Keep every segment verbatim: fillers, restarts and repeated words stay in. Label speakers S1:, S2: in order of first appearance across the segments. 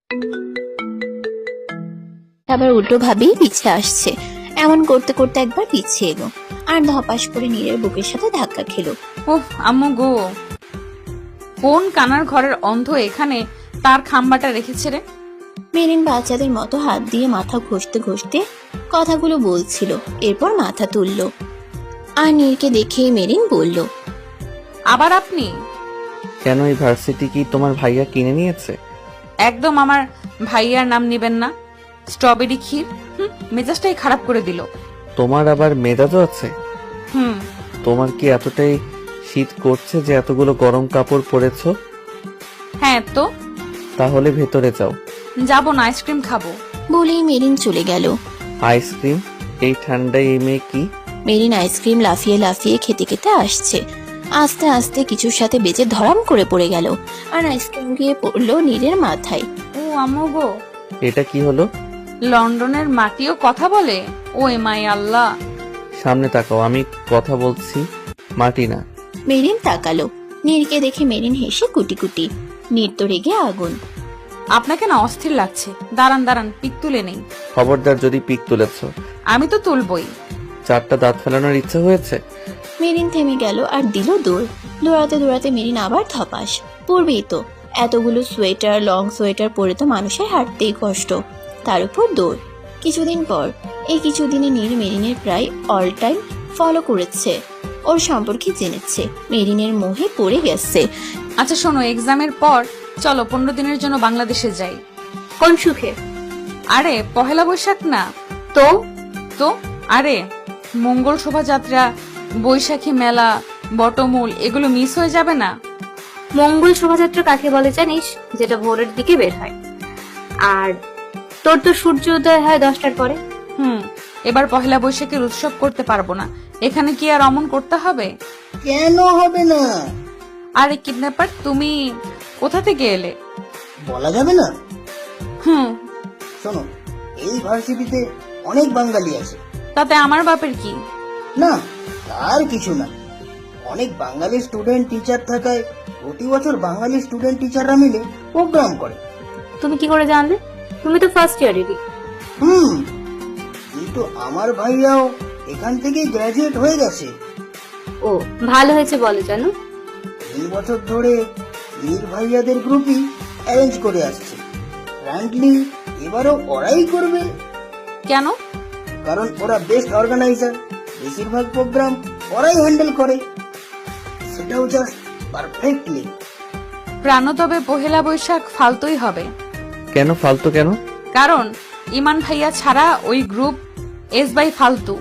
S1: আবার উল্টো ভাবেই পিছিয়ে আসছে। এমন করতে করতে একবার পিছিয়ে এলো আর ধপাস করে নীরের বুকের সাথে ধাক্কা খেলো।
S2: ওহ আম্মু গো, কোন কানার ঘরের অন্ধ এখানে তার খাম্বাটা রেখেছে রে?
S1: মেরিন বাচ্চাদের মতো হাত দিয়ে মাথা ঘষতে ঘষতে কথাগুলো বলছিল, এরপর মাথা তুললো। আর নীরকে দেখেই মেরিন বলল,
S2: আবার আপনি?
S3: কেন, এই ভার্সিটি কি তোমার ভাইয়া কিনে নিয়েছে?
S2: একদম আমার ভাইয়ার নাম নেবেন না। স্ট্রবেরি ক্ষীর হুম, মেজাজটাই খারাপ করে দিল।
S3: তোমার আবার মেজাজও আছে?
S2: হুম
S3: তোমার কি এতটাই শীত করছে যে এতগুলো গরম কাপড় পরেছো?
S2: হ্যাঁ তো
S3: তাহলে ভেতরে যাও।
S2: যাবো না, আইসক্রিম খাবো।
S1: বলেই মেরিন চলে গেল।
S3: আইসক্রিম? এই ঠান্ডায় এই মেয়ে কি?
S1: মেরিন আইসক্রিম লাফিয়ে লাফিয়ে খেতে খেতে আসছে। আস্তে আস্তে কিছুর সাথে বেজে ধরাম করে পড়ে গেল আর আইসক্রিম গিয়ে পড়লো নীরের মাথায়।
S2: ও আম্মু গো,
S3: এটা কি হলো?
S2: লন্ডনের মাটিও কথা বলে? ও এমাই আল্লাহ।
S3: সামনে তাকাও, আমি কথা বলছি, মাটি না।
S1: মেরিন তাকালো। নীরকে দেখে মেরিন হেসে কুটি কুটি। নীর তো রেগে আগুন।
S2: আপনাকে না অস্থির লাগছে। দাঁড়ান দাঁড়ান, পিক তুলে নেই।
S3: খবরদার যদি পিক তুলেছ।
S2: আমি তো তুলবই।
S3: চারটা দাঁত ফেলানোর ইচ্ছে হয়েছে?
S1: মেরিন থেমে গেল আর দিল দৌড়। দৌড়াতে দৌড়াতে মেরিন আবার ধপাস। পড়বেই তো, এতগুলো সোয়েটার, লং সোয়েটার পরে তো মানুষের হাঁটতেই কষ্ট, তার উপর দৌড়। কিছুদিন পর, এই কিছুদিনে নীর মেরিনের প্রায় অল টাইম ফলো করেছে, ওর সম্পর্কে জেনেছে, মেরিনের মোহে পড়ে গেছে।
S2: আচ্ছা শোনো, এক্সামের পর চলো পনেরো দিনের জন্য বাংলাদেশে যাই।
S4: কোন সুখে?
S2: আরে পহেলা বৈশাখ না
S4: তো
S2: তো আরে মঙ্গল শোভাযাত্রা, বৈশাখী মেলা, বটমূল এগুলো মিস হয়ে যাবে না?
S4: মঙ্গল শোভাযাত্রা কাকে বলে জানিস? যেটা ভোরের দিকে বের হয়। আর তোর তো সূর্য উদয় হয় দশটার পরে।
S2: হুম এবার পহেলা বৈশাখের উৎসব করতে পারবো না। এখানে কি আর অমন করতে হবে?
S5: কেন হবে না?
S2: আরে কিডন্যাপার, তুমি কোথা থেকে এলে?
S5: বলা যাবে না।
S2: হুম
S5: শোনো, এই ভার্সিটিতে অনেক বাঙালি আছে।
S2: তাতে আমার বাপের কি?
S5: না, তার কিছু না। অনেক বাঙালি স্টুডেন্ট টিচার থাকায় প্রতি বছর বাঙালি স্টুডেন্ট টিচাররা মিলে প্রোগ্রাম করে।
S4: তুমি কি করে জানলে? তুমি তো ফার্স্ট ইয়ারেরই।
S5: হুম কিন্তু আমার ভাইয়াও এখান থেকেই গ্রাজুয়েট হয়ে গেছে।
S4: ও ভালো হয়েছে বলে জানো।
S5: তিন বছর ধরে মীর ভাইয়াদের গ্রুপই অ্যারেঞ্জ করে আসছে। ফ্র্যাঙ্কলি এবারও ওরাই করবে,
S2: কেন?
S5: কারণ ওরা বেস্ট অর্গানাইজার। বেশিরভাগ প্রোগ্রাম ওরাই হ্যান্ডেল করে, সেটাও জাস্ট পারফেক্টলি।
S2: প্রাণ তবে পহেলা বৈশাখ ফালতুই হবে।
S3: কেন ফালতু কেন?
S2: কারণ ইমান ভাইয়া ছাড়া ওই গ্রুপ এস বাই ফালতু।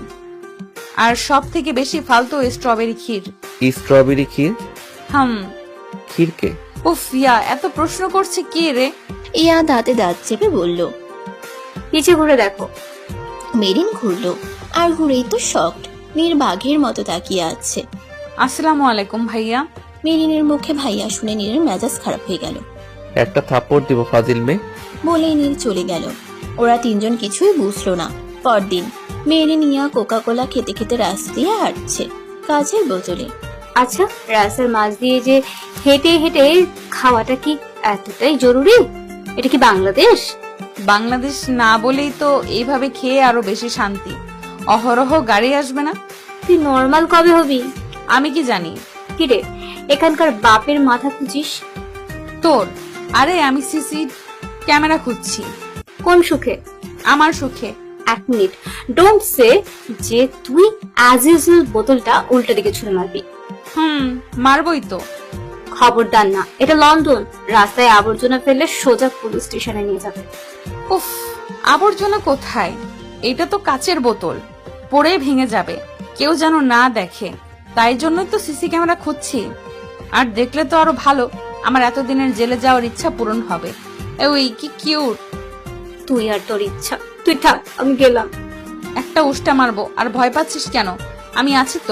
S2: আর সব থেকে বেশি ফালতু স্ট্রবেরি ক্ষীর।
S3: স্ট্রবেরি ক্ষীর?
S2: হুম
S3: ক্ষীরকে?
S2: উফ ইয়া, এত প্রশ্ন করছে কে রে?
S1: ইয়া দাঁতে দাঁত চেপে বলল।
S4: নিচে ঘুরে দেখো।
S1: মেরিন ঘুরলো আর ঘুরেই তো শকড। নীর বাঘের মতো তাকিয়ে আছে।
S2: আসসালামু আলাইকুম ভাইয়া।
S1: মেরিনের মুখে ভাইয়া শুনে নীরের মেজাজ খারাপ হয়ে গেল।
S3: একটা থাপ্পড় দিব ফাজিল মেয়ে।
S1: বলেই নীর চলে গেল। ওরা তিনজন কিছুই বুঝলো না। পরদিন মেরিন ইয়া কোকা কোলা খেতে খেতে রাস্তা দিয়ে হাঁটছে, কাচের বোতলে।
S4: আচ্ছা, রাস্তার মাঝ দিয়ে যে হেঁটে হেঁটে খাওয়াটা কি এতটাই জরুরি? এটা কি বাংলাদেশ?
S2: বাংলাদেশ না বলেই তো এইভাবে খেয়ে আরো বেশি শান্তি। অহরহ গাড়ি আসবে না।
S4: তুই নর্মাল কবে হবি?
S2: আমি কি জানি?
S4: কিরে, এখানকার বাপের মাথা খুঁজিস?
S2: তোর? আরে আমি সিসি ক্যামেরা খুঁজছি।
S4: কোন সুখে?
S2: আমার সুখে।
S4: এক মিনিট, ডোন্ট সে যে তুই অ্যাজ ইউজুয়াল বোতলটা উল্টো দিকে ছুঁড়ে মারবি।
S2: হুম মারবই তো।
S4: খবরদার না, এটা লন্ডন। রাস্তায় আবর্জনা ফেললে সোজা পুলিশ স্টেশনে নিয়ে যাবে।
S2: উফ, আবর্জনা কোথায়? এটা তো কাচের বোতল, পড়ে ভেঙে যাবে, কেউ যেন না দেখে। তাই জন্যই তো সিসি ক্যামেরা খুঁজছি। আর দেখলে তো আরো ভালো, আমার এতদিনের জেলে যাওয়ার ইচ্ছা পূরণ হবে। ওই কি কিউট।
S4: তুই আর তোর ইচ্ছা, তুই থাক, আমি গেলাম।
S2: একটা উষ্টা মারবো, আর ভয় পাচ্ছিস কেন? আমি আছি তো।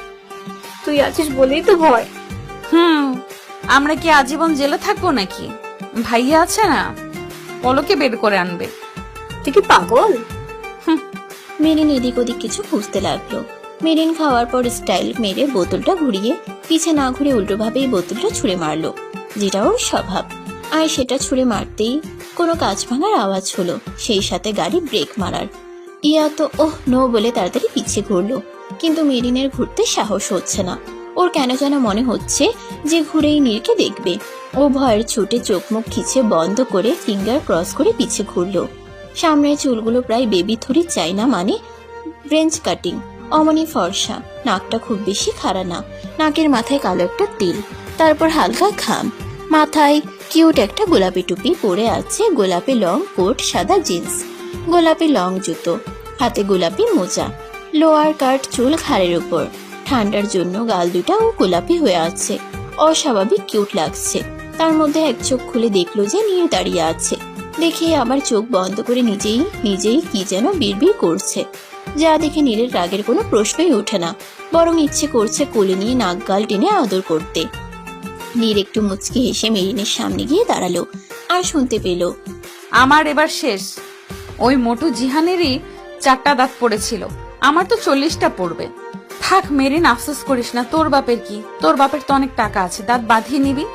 S4: তুই আছিস বলেই তো ভয়।
S2: হুম আমরা কি আজীবন জেলে থাকবো নাকি? ভাইয়া আছে না, পলকে বের করে আনবে।
S4: তুই কি পাগল?
S1: মেরিন এদিক ওদিক কিছু খুঁজতে লাগলো। মেরিন খাওয়ার পর স্টাইল মেরে বোতলটা ঘুরিয়ে পিছে না ঘুরে উল্টো ভাবে বোতলটা ছুঁড়ে মারলো, যেটা ওর স্বভাব। আর সেটা ছুঁড়ে মারতেই কোনো কাঁচ ভাঙার আওয়াজ হলো, সেই সাথে গাড়ি ব্রেক মারার। ইয়া তো ওহ নো বলে তাড়াতাড়ি পিছিয়ে ঘুরলো, কিন্তু মেরিনের ঘুরতে সাহস হচ্ছে না। ওর কেন যেন মনে হচ্ছে যে ঘুরেই নীরকে দেখবে। ও ভয়ের ছুটে চোখ মুখ খিচে বন্ধ করে ফিঙ্গার ক্রস করে পিছিয়ে ঘুরলো। সামনের চুলগুলো প্রায় বেবি থুরি চাই না, মানে ব্রেঞ্চ কাটিং, অমনি ফর্সা, নাকটা খুব বেশি খাড়া না, নাকের মাথায় কালো একটা তিল, তারপর হালকা ঘাম, মাথায় কিউট একটা গোলাপি টুপি পরে আছে, গোলাপি লং কোট, সাদা জিন্স, গোলাপি লং জুতো, হাতে গোলাপি মোজা, লোয়ার কাট চুল ঘাড়ের উপর, ঠান্ডার জন্য গাল দুটাও গোলাপি হয়ে আছে, অস্বাভাবিক কিউট লাগছে। তার মধ্যে এক চোখ খুলে দেখলো যে নীর দাঁড়িয়ে আছে, দেখে আবার চোখ বন্ধ করে নিজেই নিজেই কি যেন বিড়বিড় করছে, যা দেখে নীরের রাগের কোনো প্রশ্নই ওঠে না, বরং ইচ্ছে করছে কোলে নিয়ে নাক গাল টেনে আদর করতে। নীর একটু মুচকি হেসে মেরিনের সামনে গিয়ে দাঁড়ালো আর শুনতে পেল,
S2: আমার এবার শেষ। ওই মোটু জিহানেরই চারটা দাঁত পড়েছিল, আমার তো চল্লিশটা পড়বে। থাক মেরিন, আফসোস করিস না, তোর বাপের কি, তোর বাপের তো অনেক টাকা আছে, দাঁত বাঁধিয়ে নিবি।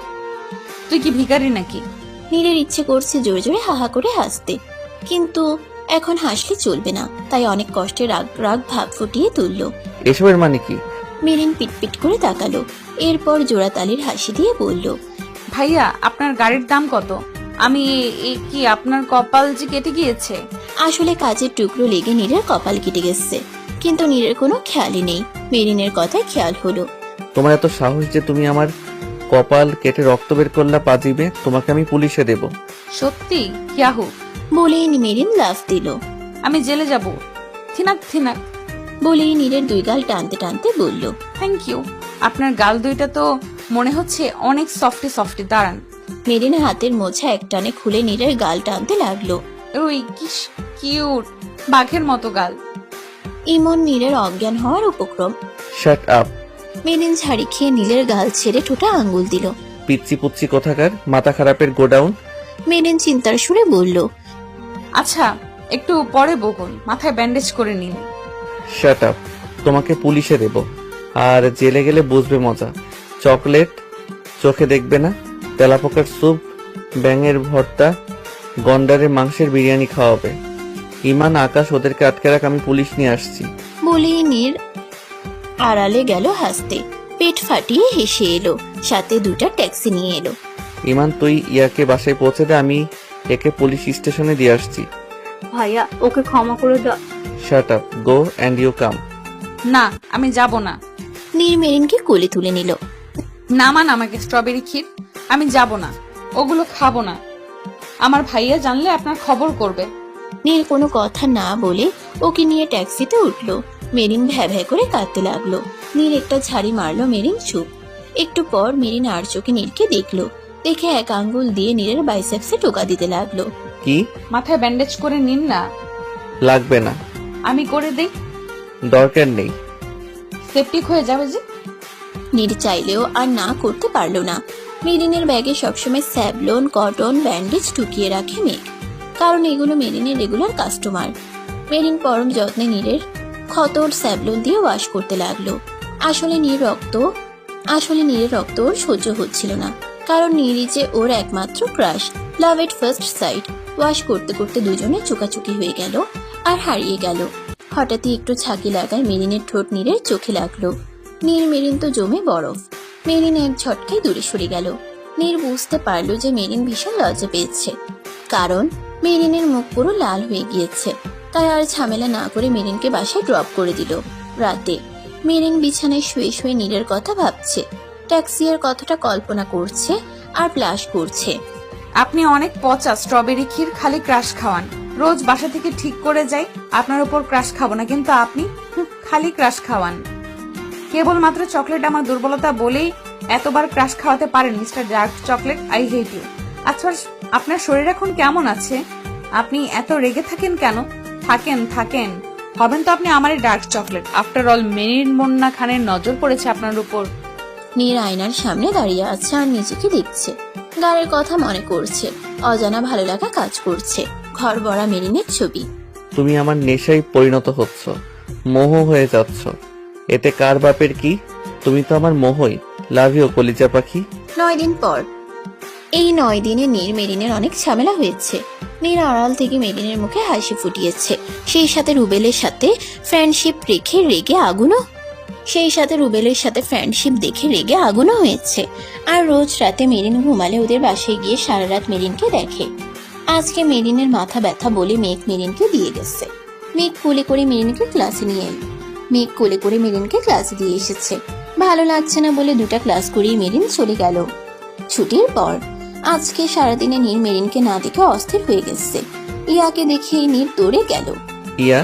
S2: তুই কি ভিখারি নাকি?
S1: নীরের ইচ্ছে করছে জোরে জোরে হাহা করে হাসতে, কিন্তু এখন হাসলে চলবে না, তাই অনেক কষ্টে রাগ রাগ ভাব ফুটিয়ে তুলল।
S3: এসবের মানে কি?
S1: মেরিন পিটপিট করে তাকালো, এরপর জোড়াতালির হাসি দিয়ে বলল,
S2: ভাইয়া আপনার গাড়ির দাম কত? আমি এ কি আপনার কপাল যে কেটে গিয়েছে?
S1: আসলে কাজের টুকরো লেগে নীরের কপাল কেটে গেছে, কিন্তু নীরের কোনো খেয়ালই নেই। মেরিনের কথায় খেয়াল হলো।
S3: তোমার এত সাহস যে তুমি আমার কপাল কেটে রক্ত বের করলা পাজিবে, তোমাকে আমি পুলিশে দেব।
S2: সত্যি? ইয়াহু!
S1: বলেই মেরিন লাফ দিল।
S2: আমি জেলে যাব। থিনাক থিনাক
S1: বলেই নীরের দুই গাল টানতে টানতে বলল,
S2: থ্যাংক ইউ। আপনার গাল দুইটা তো মনে হচ্ছে অনেক সফটি সফটি। দাঁড়ান।
S1: মেরিন হাতের মোছা এক টানে খুলে নীরের গাল টানতে লাগলো।
S2: ওই কি কিউট, বাঘের মতো গাল।
S1: ইমন নীরের অজ্ঞান হওয়ার উপক্রম।
S3: Shut up.
S1: মেরিন ঝাড়ি খেয়ে নীলের গাল ছেড়ে ঠোঁটা আঙ্গুল দিল।
S3: পিচ্ছি পুচ্ছি কোথাকার, মাথা খারাপের গোডাউন।
S1: মেরিন চিন্তার সুরে বলল,
S2: আচ্ছা একটু পরে বকুন, মাথায় ব্যান্ডেজ করে নিন।
S3: Shut up. তোমাকে পুলিশে দেব, আর জেলে গেলে বুঝবে মজা। চকলেট চোখে দেখবে না, তেলাপোকার স্যুপ, ব্যাঙের ভর্তা, গন্ডারের মাংসের বিরিয়ানি খাওয়াবে। ইমান, আকাশ, ওদেরকে আটকে রাখ, আমি পুলিশ নিয়ে আসছি।
S1: বলেই নীর আড়ালে গেল হাসতে, পেট ফাটিয়ে হেসে এলো, সাথে দুটা ট্যাক্সি নিয়ে এলো।
S3: ইমান, তুই ইয়াকে বাসায় পৌঁছে দে, আমি একে পুলিশ স্টেশনে দিয়ে আসছি।
S4: ভাইয়া ওকে ক্ষমা করে দাও।
S3: Shut up, go and you come.
S2: না আমি যাব না।
S1: নীর মেরিনকে কোলে তুলে নিল।
S2: নামান আমাকে স্ট্রবেরি ক্ষীর। আমি যাব না, ওগুলো খাবো না। আমার ভাইয়া জানলে আপনার খবর করবে।
S1: নীর কোনো কথা না বলে ওকে নিয়ে ট্যাক্সিতে উঠলো। মেরিন ভ্যা ভ্যা করে কাঁদতে লাগলো। নীর একটা ঝাড়ি মারলো, মেরিন চুপ। একটু পর মেরিন আর চোখে নীরকে দেখলো, দেখে এক আঙ্গুল দিয়ে নীরের বাইসেপসে টোকা দিতে লাগলো।
S3: কি?
S2: মাথায় ব্যান্ডেজ করে নিন না।
S3: লাগবে না।
S2: আমি করে দেই।
S3: দরকার নেই।
S2: সেপটিক হয়ে যাবে যে।
S1: নীর চাইলেও আর না করতে পারলো না। মেরিনের ব্যাগে সবসময় স্যাবলন, কটন, ব্যান্ডেজ টুকিয়ে রাখে মেঘ, কারণ এগুলো মেরিনের রেগুলার কাস্টমার। মেরিন পরম যত্নে নীরের ক্ষতর স্যাবলন দিয়ে ওয়াশ করতে লাগলো। আসলে নীর রক্ত আসলে নীরের রক্ত ওর সহ্য হচ্ছিল না, কারণ নীরই যে ওর একমাত্র crush, love at first sight. Wash করতে করতে দুজনে চোকাচুকি হয়ে গেল আর হারিয়ে গেল। হঠাৎই একটু ছাকি লাগায় মেরিনের ঠোঁট নীরের চোখে লাগলো। নীর মেরিন তো জমে বরফ। মেরিন এক ঝটকায় দূরে সরে গেল। নীর বুঝতে পারলো যে মেরিন ভীষণ লজ্জা পেয়েছে, কারণ মেরিনের মুখ পুরো লাল হয়ে গিয়েছে। তাই আর ঝামেলা না করে মেরিনকে বাসায় ড্রপ করে দিল। রাতে মেরিন বিছানায় শুয়ে শুয়ে নীরের কথা ভাবছে, ট্যাক্সির কথাটা কল্পনা করছে আর প্লাস করছে।
S2: আপনি অনেক পচা স্ট্রবেরি ক্ষীর, খালি ক্রাশ খাওয়ান। রোজ বাসা থেকে ঠিক করে যাই আপনার উপর ক্রাশ খাবো না, কিন্তু আপনি হুঁ, খালি ক্রাশ খাওয়ান। কেবলমাত্র চকলেট আমার দুর্বলতা বলেই এতবার ক্রাশ খাওয়াতে পারেন mister dark chocolate. I hate you. আচ্ছা আপনার শরীর এখন কেমন আছে? আপনি এত রেগে থাকেন কেন? থাকেন থাকেন হবেন তো আপনি আমারই dark chocolate. After all Marin Munna খানের নজর পড়েছে আপনার উপর।
S1: নীর আয়নার সামনে দাঁড়িয়ে আছে আর নিজেকে দেখছে, গানের কথা মনে করছে, অজানা ভালো লাগা কাজ করছে। ঘর ভরা মেরিনের ছবি।
S3: তুমি আমার নেশায় পরিণত হচ্ছ, মোহ হয়ে যাচ্ছ। এতে কার বাপের কি? তুমি তো আমার মোহই। লাভ ইউ কলিজা পাখি।
S1: নয় দিন পর এই নয় দিনে নীর মেরিনের অনেক ঝামেলা হয়েছে। নীর আড়াল থেকে মেরিনের মুখে হাসি ফুটিয়েছে, সেই সাথে রুবেলের সাথে ফ্রেন্ডশিপ রেখে রেগে আগুনও সেই সাথে রুবেলের সাথে ফ্রেন্ডশিপ দেখে রেগে আগুনও হয়েছে। আর রোজ রাতে মেরিন ঘুমালে ওদের বাসায় গিয়ে সারা রাত মেরিনকে দেখে। আজকে মেরিনের মাথা ব্যথা বলে মেঘ মেরিনকে দিয়ে গেছে। মেঘ কোলে করে মেরিনকে ক্লাসে নিয়ে এলো। মেঘ কোলে করে মেরিনকে ক্লাসে দিয়ে এসেছে। ভালো লাগছে না বলে দুটা ক্লাস করিয়ে মেরিন চলে গেল। ছুটির পর আজকে সারাদিনে নীর মেরিনকে না দেখে অস্থির হয়ে গেছে। ইয়াকে দেখে নীর দৌড়ে গেল।
S3: ইয়া,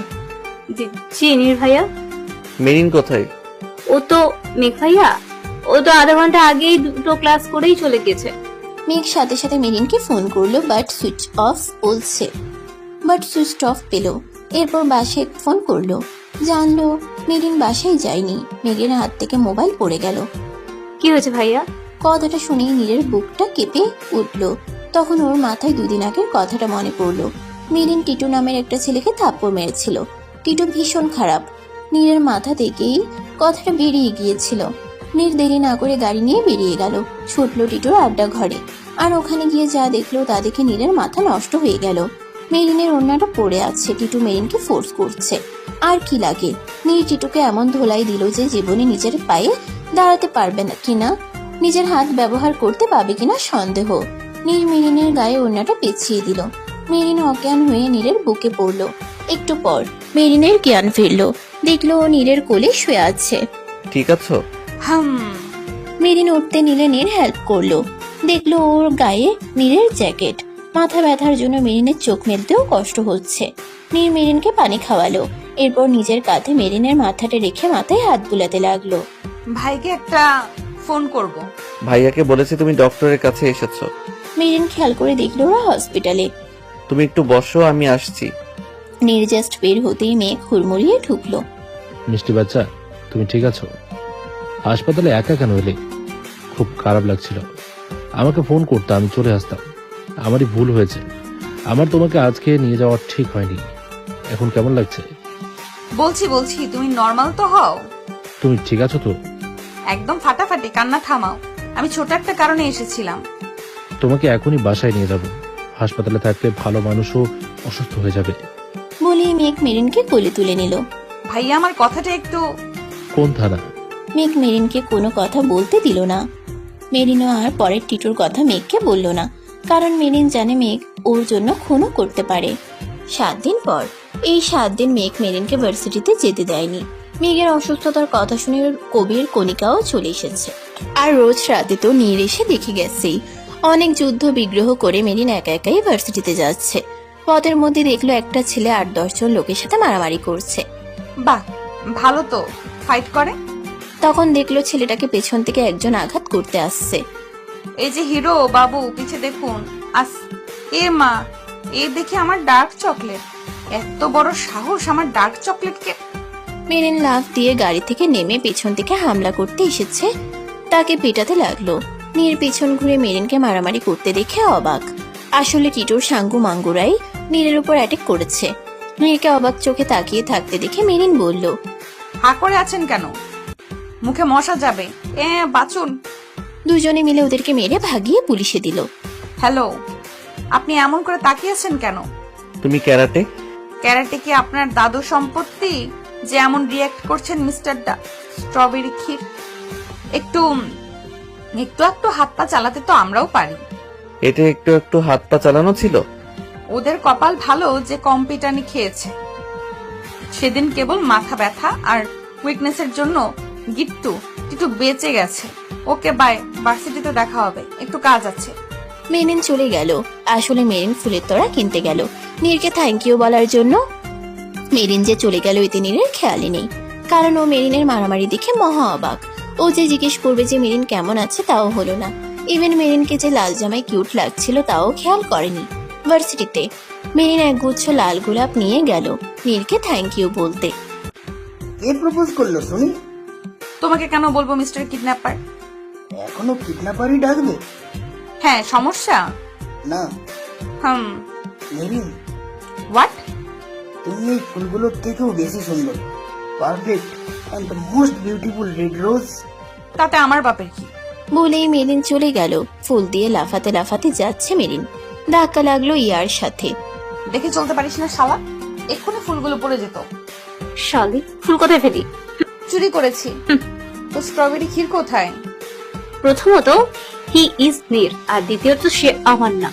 S4: জি নীর ভাইয়া।
S3: মেরিন কোথায়?
S4: ও তো মেঘ ভাইয়া, ও তো আধা ঘন্টা আগেই দুটো ক্লাস করেই চলে গেছে।
S1: মেঘ সাথে সাথে মেরিনকে ফোন করলো, বাট সুইচ অফ বলছে বাট সুইচ অফ পেল। এরপর বাসায় ফোন করলো, জানলো মেরিন বাসায় যায়নি। মেঘের হাত থেকে মোবাইল পড়ে গেল।
S4: কি হয়েছে ভাইয়া?
S1: কথাটা শুনেই নীরের বুকটা কেঁপে উঠলো। তখন ওর মাথায় দুদিন আগের কথাটা মনে পড়লো। মেরিন টিটু নামের একটা ছেলেকে থাপ্পড় মেরেছিল। টিটু ভীষণ খারাপ। নীরের মাথা থেকেই কথাটা বেরিয়ে গিয়েছিল। নীর দেরি না করে গাড়ি নিয়ে বেরিয়ে গেল, ছুটলো টিটুর আড্ডা ঘরে। আর ওখানে গিয়ে যা দেখলো তা দেখে নীরের মাথা নষ্ট হয়ে গেল। মেরিনের ওড়নাটা পড়ে আছে, টিটু মেরিনকে ফোর্স করছে। আর কি লাগে, নীর টিটুকে এমন ধোলাই দিল যে জীবনে নিজের পায়ে দাঁড়াতে পারবে না কিনা, নিজের হাত ব্যবহার করতে পারবে কিনা সন্দেহ। নীর মেরিনের গায়ে ওড়নাটা পেঁচিয়ে দিল। মেরিন অজ্ঞান হয়ে নীরের বুকে পড়লো। একটু পর মেরিনের জ্ঞান ফিরলো, দেখলো ও নীরের কোলে শুয়ে আছে।
S3: ঠিক আছো?
S2: হাম
S1: মেরিন উঠতে নিলে নীর হেল্প করলো। দেখলো ওর গায়ে নীরের জ্যাকেট। মাথা ব্যথার জন্য মেরিনের চোখ মেলতেও কষ্ট হচ্ছে। নীর মেরিনকে পানি খাওয়ালো। এরপর নিজের কাঁধে মেরিনের মাথাটা রেখে মাথায় হাত বুলাতে লাগলো।
S2: ভাইকে একটা ফোন করব।
S3: ভাইয়াকে বলেছি তুমি ডক্টরের কাছে এসেছো।
S1: মেরিন খেয়াল করে দেখলো ওরা হসপিটালে।
S3: তুমি একটু বসো, আমি আসছি।
S1: নীর জাস্ট বের হতেই মেঘ হুড়মুড়িয়ে ঢুকলো।
S6: মিষ্টি বাচ্চা, তুমি ঠিক আছো? হাসপাতালে একা কেন এলে? খুব খারাপ লাগছিল। আমাকে ফোন করতে আমি চলে আসতাম। আমারই ভুল হয়েছে। আমার তোমাকে আজকে নিয়ে যাওয়া ঠিক হয়নি। এখন কেমন লাগছে?
S2: বলছি বলছি তুমি নর্মাল তো হও।
S6: তুমি ঠিক আছো তো?
S2: একদম ফাটাফাটি, কান্না থামাও। আমি ছোট একটা কারণে এসেছিলাম।
S6: তোমাকে এখনই বাসায় নিয়ে যাব। হাসপাতালে থাকলে ভালো মানুষও অসুস্থ হয়ে যাবে।
S1: বলে মেঘ মেরিনকে কোলে তুলে নিল।
S2: ভাইয়া আমার কথাটা একটু।
S6: কোন থানা?
S1: মেঘ মেরিনকে কোনো কথা বলতে দিল না। মেরিনও আর পরের টিটুর কথা মেঘকে বলল না, কারণ মেরিন জানে মেঘ ওর জন্য খুনও করতে পারে। সাত দিন পর এই সাত দিন মেঘ মেরিনকে ভার্সিটিতে যেতে দেয়নি। মেঘের অসুস্থতার কথা শুনে কবির কণিকাও চলে এসেছে। আর রোজ রাতে তো নীর এসে দেখে গেছেই। অনেক যুদ্ধ বিগ্রহ করে মেরিন একা একাই ভার্সিটিতে যাচ্ছে। পথের মধ্যে দেখলো একটা ছেলে আট দশজন লোকের সাথে মারামারি করছে।
S2: বাহ, ভালো তো, ফাইট করে।
S1: তখন দেখলো ছেলেটাকে পেছন থেকে একজন আঘাত করতে আসছে।
S2: এই যে হিরো বাবু, পিছে দেখুন। আস এ মা, এ দেখে আমার ডার্ক চকলেট। এত বড় সাহস আমার ডার্ক চকলেটকে।
S1: মেরিন লাফ দিয়ে গাড়ি থেকে নেমে পেছন থেকে হামলা করতে এসেছে, তাকে পেটাতে লাগলো। নীর পেছন ঘুরে মেরিনকে মারামারি করতে দেখে অবাক। আসলে টিটোর সাঙ্গু মাঙ্গুরাই নীরের উপর অ্যাটাক করেছে। নীরকে অবাক চোখে তাকিয়ে থাকতে দেখে মেরিন বলল,
S2: হা করে আছেন কেন? মুখে মশা যাবে। এ বাঁচুন।
S1: দুজনে মিলে ওদেরকে মেরে ভাগিয়ে পুলিশে দিল।
S2: হ্যালো, আপনি এমন করে তাকিয়েছেন কেন?
S3: তুমি ক্যারাটে?
S2: ক্যারাটে কি আপনার দাদু সম্পত্তি যে এমন রিয়াক্ট করছেন মিস্টার ডা স্ট্রবেরি ক্ষীর? একটু একটু একটু হাত পা চালাতে তো আমরাও পারি।
S3: এটা একটু একটু হাত পা চালানো ছিল।
S2: ওদের কপাল ভালো যে কম পিটানি খেয়েছে। সেদিন কেবল মাথা ব্যথা আর উইকনেসের জন্য গিট্টু টিটু বেঁচে গেছে। ওকে বাই, ভার্সিটিতে দেখা হবে, একটু কাজ আছে।
S1: মেরিন চলে গেল। আসলে মেরিন ফুলের তোড়া কিনতে গেল নীরকে থ্যাংক ইউ বলার জন্য। মেরিন যে চলে গেল এতে নীরের খেয়ালই নেই, কারণ ও মেরিনের মারামারি দেখে মহা অবাক। ও যে জিজ্ঞেস করবে যে মেরিন কেমন আছে তাও হলো না। ইভেন মেরিনকে যে লাল জামায় কিউট লাগছিল তাও খেয়াল করেনি। ভার্সিটিতে মেরিন একগুচ্ছ লাল গোলাপ নিয়ে গেল নীরকে থ্যাংক ইউ বলতে।
S5: কে প্রপোজ করলো শুনি?
S2: তোমাকে কেন বলবো মিস্টার কিডন্যাপার?
S5: এখনো কিডন্যাপারই ডাকবে?
S2: হ্যাঁ, সমস্যা?
S5: না
S2: হুম।
S5: Marine,
S2: what?
S5: তুমি এই ফুলগুলোর থেকেও বেশি সুন্দর। Perfect and the most beautiful red rose.
S2: তাতে আমার বাপের কি?
S1: বলেই মেরিন চলে গেল। ফুল দিয়ে লাফাতে লাফাতে যাচ্ছে মেরিন। ধাক্কা লাগলো ইয়ার সাথে।
S2: দেখে চলতে পারিস না শালা, এক্ষুনি ফুলগুলো পড়ে যেত।
S4: শালি, ফুল কোথায় ফেলি?
S2: চুরি করেছি। তো স্ট্রবেরি ক্ষীর কোথায়?
S4: প্রথমত হি ইজ নীর, আর দ্বিতীয়ত সে আমার না।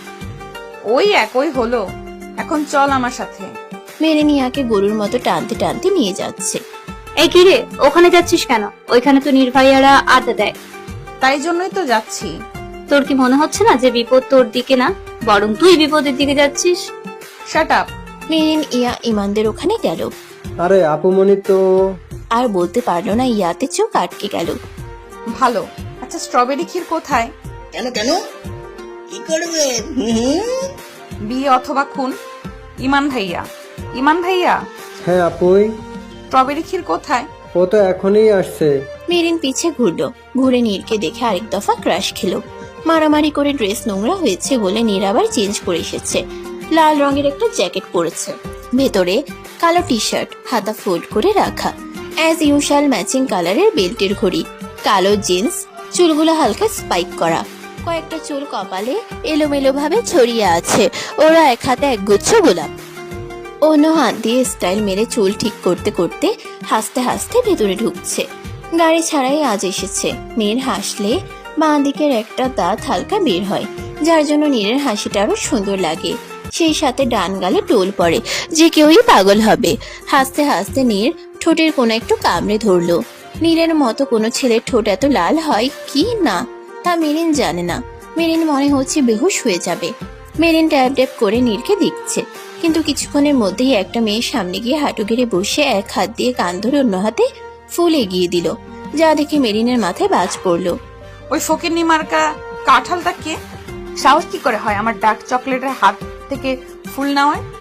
S2: ওই একই হলো। এখন চল আমার সাথে।
S1: মেরিন ইয়াকে গরুর মতো টানতে টানতে নিয়ে যাচ্ছে।
S4: এই কি রে, ওখানে যাচ্ছিস কেন? ওইখানে তো নির্ভয়ারা আড্ডা দেয়।
S2: তাই জন্যই তো যাচ্ছি।
S4: তোর কি মনে হচ্ছে না যে বিপদ তোর দিকে না, বরং তুই বিপদের দিকে যাচ্ছিস?
S2: Shut up.
S1: মেরিন ইয়া ইমানদের ওখানে গেল।
S7: আরে আপুমনি তো।
S1: আর বলতে পারলো না, ইয়াতে চোখ আটকে গেল।
S2: ভালো। আচ্ছা স্ট্রবেরি ক্ষীর কোথায়?
S5: কেন কেন কি করবে? হুম?
S2: বিয়ে অথবা খুন। ইমান ভাইয়া, ইমান ভাইয়া,
S7: হ্যাঁ আপুই,
S2: স্ট্রবেরি ক্ষীর কোথায়?
S7: ও তো এখনই আসছে।
S1: মেরিন পিছে ঘুরলো, ঘুরে নীরকে দেখে আরেক দফা ক্রাশ খেলো। মারামারি করে ড্রেস নোংরা হয়েছে বলে নীর আবার চেঞ্জ করে এসেছে। লাল রঙের একটা জ্যাকেট পরেছে, ভেতরে কালো টি শার্ট, হাতা ফোল্ড করে রাখা, অ্যাজ ইউশাল ম্যাচিং কালারের বেল্টের ঘড়ি, কালো জিন্স, চুলগুলো হালকা স্পাইক করা, কয়েকটা চুল কপালে এলোমেলো ভাবে ছড়িয়ে আছে। ওরা এক হাতে একগুচ্ছ গোলাপ, অন্য হাত দিয়ে স্টাইল মেরে চুল ঠিক করতে করতে হাসতে হাসতে ভেতরে ঢুকছে। গাড়ি ছাড়াই আজ এসেছে। নীর হাসলে বাঁ দিকের একটা দাঁত হালকা বের হয়, যার জন্য নীরের হাসিটা আরো সুন্দর লাগে। সেই সাথে ডান গালে টোল পড়ে, যে কেউই পাগল হবে। হাসতে হাসতে নীর ঠোঁটের কোনো একটু কামড়ে ধরলো। নীরের মতো কোনো ছেলের ঠোঁট এত লাল হয় কি না তা মেরিন জানে না। মেরিন মনে হচ্ছে বেহুশ হয়ে যাবে। মেরিন ট্যাপ ট্যাপ করে নীরকে দেখছে, কিন্তু কিছুক্ষণের মধ্যেই একটা মেয়ের সামনে গিয়ে হাঁটু গেড়ে বসে এক হাত দিয়ে কান ধরে অন্য হাতে ফুল এগিয়ে দিল, যা দেখে মেরিনের মাথায় বাজ পড়লো।
S2: ওই ফকিন্নি মার্কা কাঁঠালটা কে? সাহস কি করে হয় আমার ডার্ক চকলেটের হাত থেকে ফুল নেওয়ায়?